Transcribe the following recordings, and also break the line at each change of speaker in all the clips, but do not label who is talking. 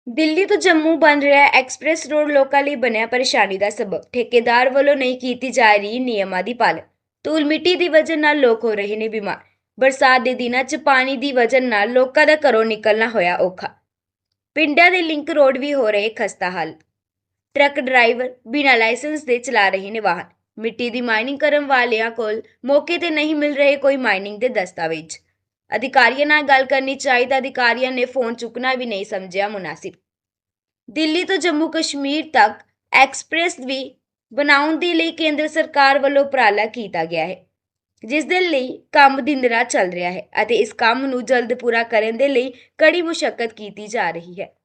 ਦਿੱਲੀ ਤੋਂ ਜੰਮੂ ਬਣ ਰਿਹਾ ਐਕਸਪ੍ਰੈਸ ਰੋਡ ਲੋਕਾਂ ਲਈ ਬਣਿਆ ਪਰੇਸ਼ਾਨੀ ਦਾ ਸਬਬ। ਠੇਕੇਦਾਰ ਵੱਲੋਂ ਨਹੀਂ ਕੀਤੀ ਜਾ ਰਹੀ ਨਿਯਮਾਂ ਦੀ ਪਾਲਣਾ। ਧੂਲ ਮਿੱਟੀ ਦੀ ਵਜ੍ਹਾ ਨਾਲ ਲੋਕ ਹੋ ਰਹੇ ਨੇ ਬਿਮਾਰ। ਬਰਸਾਤ ਦੇ ਦਿਨਾਂ 'ਚ ਪਾਣੀ ਦੀ ਵਜ੍ਹਾ ਨਾਲ ਲੋਕਾਂ ਦਾ ਘਰੋਂ ਨਿਕਲਣਾ ਹੋਇਆ ਔਖਾ। ਪਿੰਡਾਂ ਦੇ ਲਿੰਕ ਰੋਡ ਵੀ ਹੋ ਰਹੇ ਖਸਤਾ ਹਾਲ। ਟਰੱਕ ਡਰਾਈਵਰ ਬਿਨਾਂ ਲਾਇਸੈਂਸ ਦੇ ਚਲਾ ਰਹੇ ਨੇ ਵਾਹਨ। ਮਿੱਟੀ ਦੀ ਮਾਈਨਿੰਗ ਕਰਨ ਵਾਲਿਆਂ ਕੋਲ ਮੌਕੇ ਤੇ ਨਹੀਂ ਮਿਲ ਰਹੇ ਕੋਈ ਮਾਈਨਿੰਗ ਦੇ ਦਸਤਾਵੇਜ਼। ਅਧਿਕਾਰੀਆਂ ਨਾਲ ਗੱਲ ਕਰਨੀ ਚਾਹੀਦਾ, ਅਧਿਕਾਰੀਆਂ ਨੇ ਫੋਨ ਚੁੱਕਣਾ ਵੀ ਨਹੀਂ ਸਮਝਿਆ ਮੁਨਾਸਿਬ। ਦਿੱਲੀ ਤੋਂ ਜੰਮੂ ਕਸ਼ਮੀਰ ਤੱਕ ਐਕਸਪ੍ਰੈਸ ਵੀ ਬਣਾਉਣ ਦੇ ਲਈ ਕੇਂਦਰ ਸਰਕਾਰ ਵੱਲੋਂ ਉਪਰਾਲਾ ਕੀਤਾ ਗਿਆ ਹੈ, ਜਿਸ ਦੇ ਲਈ ਕੰਮ ਦਿਨ ਰਾਤ ਚੱਲ ਰਿਹਾ ਹੈ ਅਤੇ ਇਸ ਕੰਮ ਨੂੰ ਜਲਦ ਪੂਰਾ ਕਰਨ ਦੇ ਲਈ ਕੜੀ ਮੁਸ਼ੱਕਤ ਕੀਤੀ ਜਾ ਰਹੀ ਹੈ।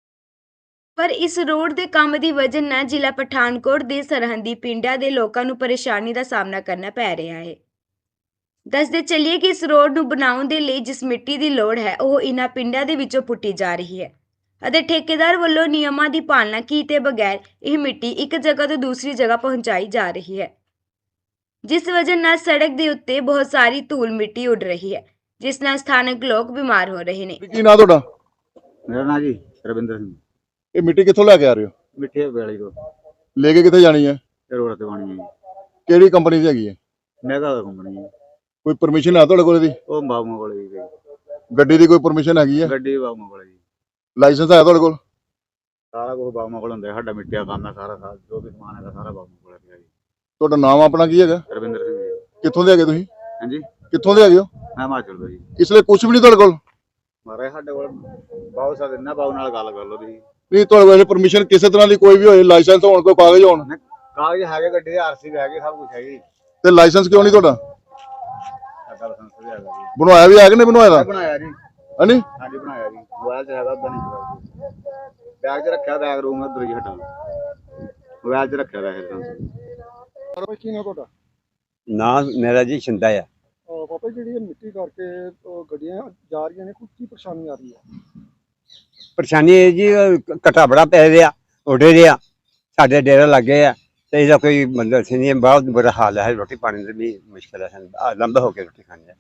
ਪਰ ਇਸ ਰੋਡ ਦੇ ਕੰਮ ਦੀ ਵਜ੍ਹਾ ਨਾਲ ਜ਼ਿਲ੍ਹਾ ਪਠਾਨਕੋਟ ਦੇ ਸਰਹੱਦੀ ਪਿੰਡਾਂ ਦੇ ਲੋਕਾਂ ਨੂੰ ਪਰੇਸ਼ਾਨੀ ਦਾ ਸਾਹਮਣਾ ਕਰਨਾ ਪੈ ਰਿਹਾ ਹੈ। ਦੱਸਦੇ ਚੱਲੀਏ ਕਿ ਇਸ ਰੋਡ ਨੂੰ ਬਣਾਉਣ ਦੇ ਲਈ ਜਿਸ ਮਿੱਟੀ ਦੀ ਲੋੜ ਹੈ ਉਹ ਇਨ੍ਹਾਂ ਪਿੰਡਾਂ ਦੇ ਵਿੱਚੋਂ ਪੁੱਟੀ ਜਾ ਰਹੀ ਹੈ ਅਤੇ ਠੇਕੇਦਾਰ ਵੱਲੋਂ ਨਿਯਮਾਂ ਦੀ ਪਾਲਣਾ ਕੀਤੇ ਬਗੈਰ ਇਹ ਮਿੱਟੀ ਇੱਕ ਜਗ੍ਹਾ ਤੋਂ ਦੂਸਰੀ ਜਗ੍ਹਾ ਪਹੁੰਚਾਈ ਜਾ ਰਹੀ ਹੈ, ਜਿਸ ਵਜ੍ਹਾ ਨਾਲ ਸੜਕ ਦੇ ਉੱਤੇ ਬਹੁਤ ਸਾਰੀ ਧੂਲ ਮਿੱਟੀ ਉੱਡ ਰਹੀ ਹੈ, ਜਿਸ ਨਾਲ ਸਥਾਨਕ ਲੋਕ ਬਿਮਾਰ ਹੋ ਰਹੇ ਨੇ।
ਕੀ ਨਾਂ ਤੁਹਾਡਾ?
ਮੇਰਾ ਨਾਂ ਜੀ ਰਵਿੰਦਰ ਸਿੰਘ।
ਇਹ ਮਿੱਟੀ ਕਿੱਥੋਂ ਲੈ ਕੇ ਆ ਰਹੇ ਹੋ?
ਮਿੱਠੇ ਵੇਲੀ ਤੋਂ
ਲੈ ਕੇ ਕਿੱਥੇ ਜਾਣੀ ਹੈ?
ਇਹ ਰੋਡ ਤੇ ਬਣੀ ਹੈ ਜੀ।
ਕਿਹੜੀ ਕੰਪਨੀ ਦੀ ਹੈਗੀ ਹੈ?
ਮੈਗਾ ਦਾ ਕੰਪਨੀ ਹੈ।
ਕੋਈ ਪਰਮਿਸ਼ਨ ਹੈ ਤੁਹਾਡੇ ਕੋਲ ਇਹਦੀ?
ਉਹ ਬਾਬੂਆਂ ਕੋਲ ਜੀ ਗਈ।
ਗੱਡੀ ਦੀ ਕੋਈ ਪਰਮਿਸ਼ਨ ਹੈਗੀ ਹੈ?
ਗੱਡੀ ਬਾਬੂਆਂ ਕੋਲ ਜੀ।
ਲਾਇਸੈਂਸ ਹੈ ਤੁਹਾਡੇ ਕੋਲ?
ਸਾਰਾ ਕੁਝ ਬਾਬੂਆਂ ਕੋਲ ਹੁੰਦਾ। ਸਾਡਾ ਮਿੱਟੀ ਦਾ ਕੰਮ ਹੈ, ਸਾਰਾ ਜੋ ਵੀ ਸਮਾਨ ਹੈਗਾ ਸਾਰਾ ਬਾਬੂਆਂ ਕੋਲ ਹੈ ਜੀ।
ਤੁਹਾਡਾ ਨਾਮ ਆਪਣਾ ਕੀ ਹੈਗਾ?
ਰਵਿੰਦਰ ਸਿੰਘ ਜੀ।
ਕਿੱਥੋਂ ਦੇ ਹੈਗੇ ਤੁਸੀਂ?
ਹਾਂਜੀ,
ਕਿੱਥੋਂ ਦੇ ਹੈਗੇ ਹੋ?
ਮੈਂ ਹਿਮਾਚਲ ਤੋਂ ਜੀ।
ਇਸ ਲਈ ਕੁਝ ਵੀ ਨਹੀਂ ਤੁਹਾਡੇ ਕੋਲ?
ਮਾਰੇ ਸਾਡੇ ਕੋਲ ਬਾਬੂ ਸਾਹਿਬ ਇੰਨਾ ਬਾਬੂ ਨਾਲ ਗੱਲ ਕਰ ਲਓ ਤੁਸੀਂ।
ਨਹੀਂ, ਤੁਹਾਡੇ ਕੋਲ ਪਰਮਿਸ਼ਨ ਕਿਸੇ ਤਰ੍ਹਾਂ ਦੀ ਕੋਈ ਵੀ ਹੋਏ, ਲਾਇਸੈਂਸ ਹੋਣ, ਕੋਈ ਕਾਗਜ਼ ਹੋਣ?
ਕਾਗਜ਼ ਹੈਗੇ, ਗੱਡੀ ਦੇ ਆਰਸੀ ਵੀ ਹੈਗੇ, ਸਭ ਕੁਝ ਹੈਗੀ।
ਤੇ ਲਾਇਸੈਂਸ ਕਿਉਂ ਨਹੀਂ ਤੁਹਾਡਾ?
ਸਾਡਾ ਲਾਇਸੈਂਸ ਵੀ ਹੈਗਾ ਜੀ।
ਬਣਵਾਇਆ ਵੀ ਹੈ ਕਿ ਨਹੀਂ ਬਣਵਾਇਆ ਦਾ?
ਬਣਾਇਆ ਜੀ।
ਹਾਂਜੀ,
ਹਾਂਜੀ ਬਣਾਇਆ ਜੀ। ਮੋਬਾਈਲ 'ਚ ਹੈਗਾ, ਉਦਾਂ ਨਹੀਂ ਹੈਗਾ। ਬੈਗ 'ਚ ਰੱਖਿਆ, ਬੈਗ ਰੂਮ ਅੰਦਰ ਹੀ ਹਟਾ ਮੋਬਾਈਲ 'ਚ ਰੱਖਿਆ ਦਾ ਹੈ ਲਾਇਸੈਂਸ।
ਕੀ ਨਾਂ ਤੁਹਾਡਾ?
ਨਾਂ ਮੇਰਾ ਜੀ ਸ਼ਿੰਦਾ ਆ।
ਪਾਪਾ, ਜਿਹੜੀ ਮਿੱਟੀ ਕਰਕੇ ਗੱਡੀਆਂ ਜਾ ਰਹੀਆਂ ਨੇ, ਕੀ ਪਰੇਸ਼ਾਨੀ ਆ ਰਹੀ ਹੈ?
ਪਰੇਸ਼ਾਨੀ ਇਹ ਜੀ ਘਟਾ ਬੜਾ ਪੈ ਰਿਹਾ, ਉੱਡ ਰਿਹਾ, ਸਾਡੇ ਡੇਰੇ ਲੱਗੇ ਆ ਤੇ ਇਹਦਾ ਕੋਈ ਮਤਲਬ ਨਹੀਂ। ਬਹੁਤ ਬੁਰਾ ਹਾਲ ਹੈ, ਰੋਟੀ ਪਾਣੀ ਦੀ ਵੀ ਮੁਸ਼ਕਿਲ ਹੈ ਸਾਨੂੰ। ਲੰਬਾ ਹੋ ਕੇ ਰੋਟੀ ਖਾਣੀ ਹੈ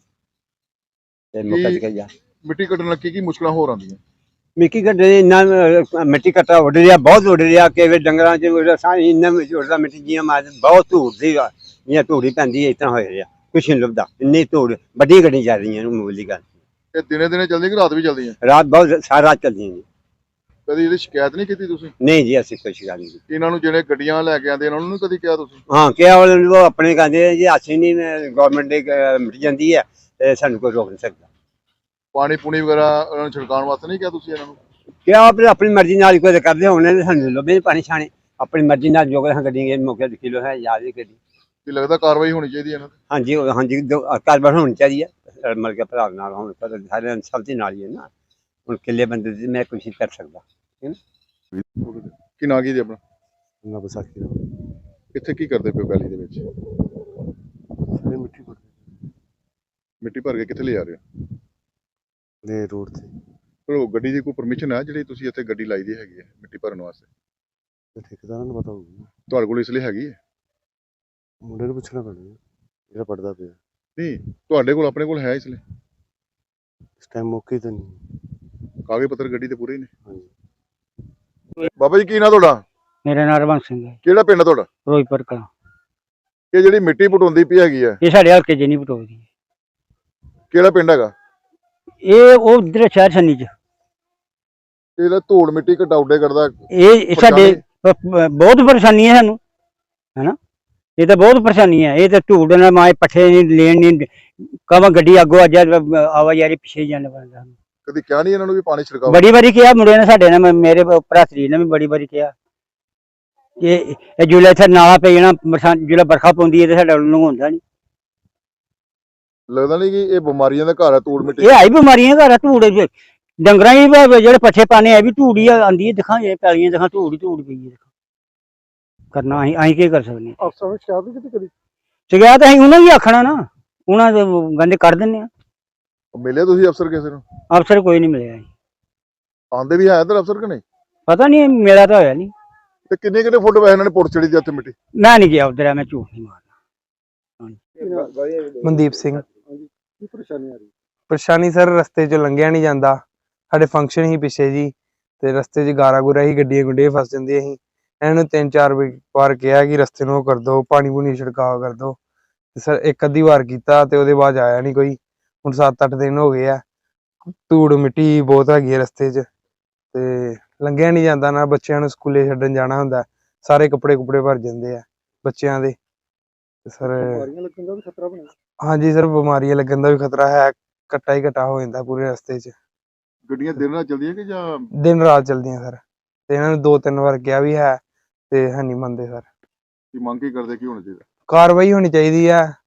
ਤੇ ਮੁੱਕ ਗਿਆ।
ਮਿੱਟੀ ਕੱਢਣ ਨਾਲ ਕੀ ਮੁਸ਼ਕਲਾਂ ਹੋਰ ਆਉਂਦੀਆਂ?
ਮਿੱਟੀ ਕੱਢੇ ਇੰਨਾ ਮਿੱਟੀ ਘਟਾ ਉੱਡ ਰਿਹਾ, ਬਹੁਤ ਉੱਡ ਰਿਹਾ। ਕਿ ਡੰਗਰਾਂ ਚ ਸਾਰੀ ਇੰਨਾ ਉੱਡਦਾ ਮਿੱਟੀ ਜੀਆਂ ਮਾਰ ਬਹੁਤ ਧੂੜ ਦੀ ਜਿਵੇਂ ਧੂੜੀ ਪੈਂਦੀ ਹੈ, ਇਸ ਤਰ੍ਹਾਂ ਹੋ ਰਿਹਾ। ਕੁਛ ਨਹੀਂ ਲੱਭਦਾ, ਇੰਨੀ ਧੂੜ। ਵੱਡੀ ਗੱਡੀ ਜਾ ਰਹੀਆਂ ਨੂੰ ਮੂਲੀ ਗੱਲ।
ਇਹ ਦਿਨੇ ਦਿਨੇ ਚੱਲਦੀ ਕਿ ਰਾਤ ਵੀ ਚੱਲਦੀ ਹੈ?
ਰਾਤ ਬਹੁਤ ਸਾਰਾ ਰਾਤ ਚੱਲਦੀਆਂ ਜੀ।
ਕਦੀ ਇਹਦੀ ਸ਼ਿਕਾਇਤ ਨਹੀਂ ਕੀਤੀ ਤੁਸੀਂ?
ਨਹੀਂ ਜੀ, ਅਸੀਂ ਕੁਛ ਗੱਲ ਨਹੀਂ।
ਇਹਨਾਂ ਨੂੰ ਜਿਹੜੇ ਗੱਡੀਆਂ ਲੈ ਕੇ ਆਉਂਦੇ ਇਹਨਾਂ ਨੂੰ ਕਦੀ ਕਿਹਾ ਤੁਸੀਂ?
ਹਾਂ, ਕਿਹਾ ਉਹ ਆਪਣੇ ਕਹਿੰਦੇ ਜੀ ਅਸੀਂ ਨਹੀਂ, ਗਵਰਨਮੈਂਟ ਦੀ ਮਿਟ ਜਾਂਦੀ ਹੈ ਤੇ ਸਾਨੂੰ ਕੋਈ ਰੋਕ ਨਹੀਂ ਸਕਦਾ।
ਪਾਣੀ ਪੂਣੀ ਵਗੈਰਾ ਉਹਨਾਂ ਨੂੰ ਛਿੜਕਾਉਣ ਵਾਸਤੇ ਨਹੀਂ ਕਿਹਾ ਤੁਸੀਂ ਇਹਨਾਂ ਨੂੰ?
ਕਿਹਾ ਆਪਣੀ ਮਰਜ਼ੀ ਨਾਲ ਕੋਈ ਕਰਦੇ ਹੋਣੇ, ਸਾਨੂੰ ਲੱਭੇ ਪਾਣੀ ਛਾਣੇ ਆਪਣੀ ਮਰਜ਼ੀ ਨਾਲ ਜੋ ਕਿ ਗੱਡੀ ਮੌਕੇ ਤੇ ਕਿਲੋ ਹੈ ਯਾਦ ਹੀ ਗੱਡੀ।
ਕੀ ਲੱਗਦਾ ਕਾਰਵਾਈ ਹੋਣੀ ਚਾਹੀਦੀ ਇਹਨਾਂ ਤੇ?
ਹਾਂਜੀ ਹਾਂਜੀ, ਕਾਰਵਾਈ ਹੋਣੀ ਚਾਹੀਦੀ ਹੈ। ਮਤਲਬ ਕਿ ਭਰਾ ਨਾਲ ਹੁਣ ਸਾਰੇ ਸਭ ਦੇ ਨਾਲ ਹੀ ਹੈ ਨਾ। ਹੁਣ ਕਿੱਲੇ ਬੰਦੇ ਦੀ ਮੈਂ ਕੁਛ ਨਹੀਂ ਕਰ ਸਕਦਾ।
ਕੀ ਨਾਂ ਕੀ ਜੀ ਆਪਣਾ?
ਨਾ ਵਿਸਾਖੀ ਦਾ
ਇੱਥੇ ਕੀ ਕਰਦੇ ਪਏ ਵੈਲੀ ਦੇ ਵਿੱਚ?
ਸਾਰੇ ਮਿੱਟੀ ਭਰ
ਮਿੱਟੀ ਭਰ ਕੇ ਕਿੱਥੇ ਲੈ ਜਾ ਰਹੇ ਹੋ?
ਦੇ ਰੋਡ ਤੇ
ਪਰ ਉਹ ਗੱਡੀ ਦੀ ਕੋਈ ਪਰਮਿਸ਼ਨ ਹੈ ਜਿਹੜੀ ਤੁਸੀਂ ਇੱਥੇ ਗੱਡੀ ਲਾਈ ਦੀ ਹੈਗੀ ਹੈ ਮਿੱਟੀ ਭਰਨ ਵਾਸਤੇ?
ਤੇ ਠੇਕੇਦਾਰਾਂ ਨੂੰ ਪਤਾ ਹੋਊਗਾ।
ਤੁਹਾਡੇ ਕੋਲ ਇਸ ਲਈ ਹੈਗੀ ਹੈ?
ਮੁੰਡੇ ਨੂੰ ਪੁੱਛਣਾ ਪੈਣਾ ਜਿਹੜਾ ਪੜਦਾ ਪਿਆ।
ਨਹੀਂ, ਤੁਹਾਡੇ ਕੋਲ ਆਪਣੇ ਕੋਲ ਹੈ ਇਸ ਲਈ?
ਇਸ ਟਾਈਮ ਮੌਕੇ ਤੇ ਨਹੀਂ।
ਕਾਗਜ਼ ਪੱਤਰ ਗੱਡੀ ਤੇ ਪੂਰੇ ਹੀ ਨੇ?
ਹਾਂਜੀ।
ਬਾਬਾ ਜੀ, ਕੀ ਨਾਂ ਤੁਹਾਡਾ?
ਮੇਰਾ ਨਾਮ ਰਵੰਤ ਸਿੰਘ ਹੈ,
ਕਿਹੜਾ ਪਿੰਡ ਹੈ ਤੁਹਾਡਾ?
ਫਿਰੋਜ਼ਪੁਰ ਕਲਾਂ।
ਇਹ ਜਿਹੜੀ ਮਿੱਟੀ ਪੁਟਾਉਂਦੀ ਪਈ ਹੈਗੀ ਹੈ,
ਇਹ ਸਾਡੇ ਹਲਕੇ 'ਚ ਨਹੀਂ ਪਟੋਦੀ।
ਕਿਹੜਾ ਪਿੰਡ ਹੈਗਾ?
ਇਹ ਉਹ ਇੱਧਰ ਸ਼ਹਿਰ ਸੰਨੀ 'ਚ।
ਇਹਦਾ ਧੂੜ ਮਿੱਟੀ ਘਟਾਉਡੇ ਕਰਦਾ।
ਇਹ ਸਾਡੇ ਬਹੁਤ ਪਰੇਸ਼ਾਨੀ ਹੈ ਸਾਨੂੰ, ਹੈਨਾ। ਇਹ ਤਾਂ ਬਹੁਤ ਪਰੇਸ਼ਾਨੀ ਹੈ। ਇਹ ਤਾਂ ਧੂੜ ਨਾਲ ਮਾਏ ਪੱਠੇ ਨਹੀਂ ਲੈਣ ਨਹੀਂ ਕਵਾਂ ਗੱਡੀ ਅੱਗੋਂ ਆ ਜਾ ਆਵਾਜਾਈ ਪਿੱਛੇ ਜਾਣਾ ਪੈਂਦਾ।
ਕਦੀ ਕਿਹਾ ਨਹੀਂ ਇਹਨਾਂ ਨੂੰ ਵੀ ਪਾਣੀ ਛਿੜਕਾਓ?
ਬੜੀ ਵਾਰੀ ਕਿਹਾ ਮੁੰਡੇ ਨੇ ਸਾਡੇ ਨੇ, ਮੇਰੇ ਭਰਾਤਰੀ ਨੇ ਵੀ ਬੜੀ ਵਾਰੀ ਕਿਹਾ। ਇਹ ਜੁਲੇ ਇੱਥੇ ਨਾਲਾ ਪੈ ਜਾਣਾ, ਜਿਹੜਾ ਬਰਖਾ ਪਾਉਂਦੀ ਹੈ ਤੇ ਸਾਡਾ ਨੂੰ ਹੁੰਦਾ ਨਹੀਂ।
ਲੱਗਦਾ ਨਹੀਂ ਕਿ ਇਹ ਬਿਮਾਰੀਆਂ ਦਾ ਘਰ ਹੈ ਧੂੜ ਮਿੱਟੀ?
ਇਹ ਆਈ ਬਿਮਾਰੀਆਂ ਘਰ ਧੂੜ ਡੰਗਰਾਂ ਹੀ ਜਿਹੜੇ ਪੱਠੇ ਪਾਣੇ ਆ ਵੀ ਧੂੜ ਹੀ ਆਉਂਦੀ ਹੈ। ਦਿਖਾਂ ਇਹ ਪੈਲੀਆਂ ਦਿਖਾਂ ਧੂੜ ਹੀ ਧੂੜ ਪਈ ਹੈ। ਕਰਨਾ ਅਸੀਂ ਕੀ ਕਰ ਸਕਦੇ ਹਾਂ?
ਅਫਸਰਾਂ ਨੂੰ ਸ਼ਿਕਾਇਤ ਨਹੀਂ ਕੀਤੀ ਕਦੀ?
ਸ਼ਿਕਾਇਤ ਅਸੀਂ ਉਹਨਾਂ ਦੀ ਆਖਣਾ ਨਾ, ਉਹਨਾਂ ਦੇ ਗੰਦੇ ਕੱਢ ਦਿੰਦੇ ਆ।
ਮਿਲੇ ਤੁਸੀਂ ਅਫਸਰ ਕਿਸੇ ਨੂੰ?
ਅਫਸਰ ਕੋਈ ਨਹੀਂ ਮਿਲਿਆ ਜੀ।
ਆਂਦੇ ਵੀ ਹੈ ਇੱਧਰ ਅਫਸਰ ਕਿ ਨਹੀਂ?
ਪਤਾ ਨਹੀਂ, ਮੇਰਾ ਤਾਂ ਹੋਇਆ ਨਹੀਂ।
ਤੇ ਕਿੰਨੇ ਫੁੱਟ ਵੈ ਇਹਨਾਂ ਨੇ ਪੁੱਟ ਚੜੀ ਦੀ ਇੱਥੇ ਮਿੱਟੀ?
ਮੈਂ ਨਹੀਂ ਗਿਆ ਉਧਰ, ਮੈਂ ਝੂਠ ਨਹੀਂ ਮਾਰਨਾ।
ਮਨਦੀਪ ਸਿੰਘ।
ਕੀ ਪਰੇਸ਼ਾਨੀ ਆ ਰਹੀ?
ਪਰੇਸ਼ਾਨੀ ਸਰ, ਰਸਤੇ 'ਚ ਲੰਘਿਆ ਨਹੀਂ ਜਾਂਦਾ। ਸਾਡੇ ਫੰਕਸ਼ਨ ਹੀ ਪਿੱਛੇ ਜੀ, ਤੇ ਰਸਤੇ 'ਚ ਗਾਰਾ ਗੁਰਾ ਹੀ ਗੱਡੀਆਂ ਗੁੱਡੀਆਂ ਫਸ ਜਾਂਦੀਆਂ ਸੀ। ਇਹਨਾਂ ਨੂੰ 3-4 ਵਾਰ ਕਿਹਾ ਕਿ ਰਸਤੇ ਨੂੰ ਉਹ ਕਰ ਦਿਓ, ਪਾਣੀ ਪੂਣੀ ਛਿੜਕਾਅ ਕਰ ਦਿਓ, ਤੇ ਸਰ ਇੱਕ ਅੱਧੀ ਵਾਰ ਕੀਤਾ ਤੇ ਉਹਦੇ ਬਾਅਦ ਆਇਆ ਨਹੀਂ ਕੋਈ। ਹੁਣ 7-8 ਦਿਨ ਹੋ ਗਏ ਆ, ਧੂੜ ਮਿੱਟੀ ਬਹੁਤ ਹੈਗੀ ਹੈ ਰਸਤੇ 'ਚ ਤੇ ਲੰਘਿਆ ਨਹੀਂ ਜਾਂਦਾ, ਨਾ ਬੱਚਿਆਂ ਨੂੰ ਸਕੂਲੇ ਛੱਡਣ ਜਾਣਾ ਹੁੰਦਾ, ਸਾਰੇ ਕੱਪੜੇ ਕੁਪੜੇ ਭਰ ਜਾਂਦੇ ਆ ਬੱਚਿਆਂ ਦੇ। ਤੇ ਸਰ
ਬਿਮਾਰੀਆਂ ਲੱਗਣ ਦਾ ਵੀ ਖਤਰਾ ਬਣਿਆ।
ਹਾਂਜੀ ਸਰ, ਬਿਮਾਰੀਆਂ ਲੱਗਣ ਦਾ ਵੀ ਖਤਰਾ ਹੈ, ਕੱਟਾ ਹੀ ਕੱਟਾ ਹੋ ਜਾਂਦਾ ਪੂਰੇ ਰਸਤੇ 'ਚ।
ਗੱਡੀਆਂ ਦਿਨ ਰਾਤ ਚੱਲਦੀਆਂ ਕਿ ਜਾਂ
ਦਿਨ ਰਾਤ ਚੱਲਦੀਆਂ ਸਰ, ਤੇ ਇਹਨਾਂ ਨੂੰ 2-3 ਵਾਰ ਕਿਹਾ ਵੀ ਹੈ ਤੇ ਹੈ ਨਹੀਂ ਮੰਨਦੇ ਸਰ।
ਕੀ ਮੰਗ ਕੀ ਕਰਦੇ, ਕੀ ਹੋਣਾ ਚਾਹੀਦਾ?
ਕਾਰਵਾਈ ਹੋਣੀ ਚਾਹੀਦੀ ਹੈ,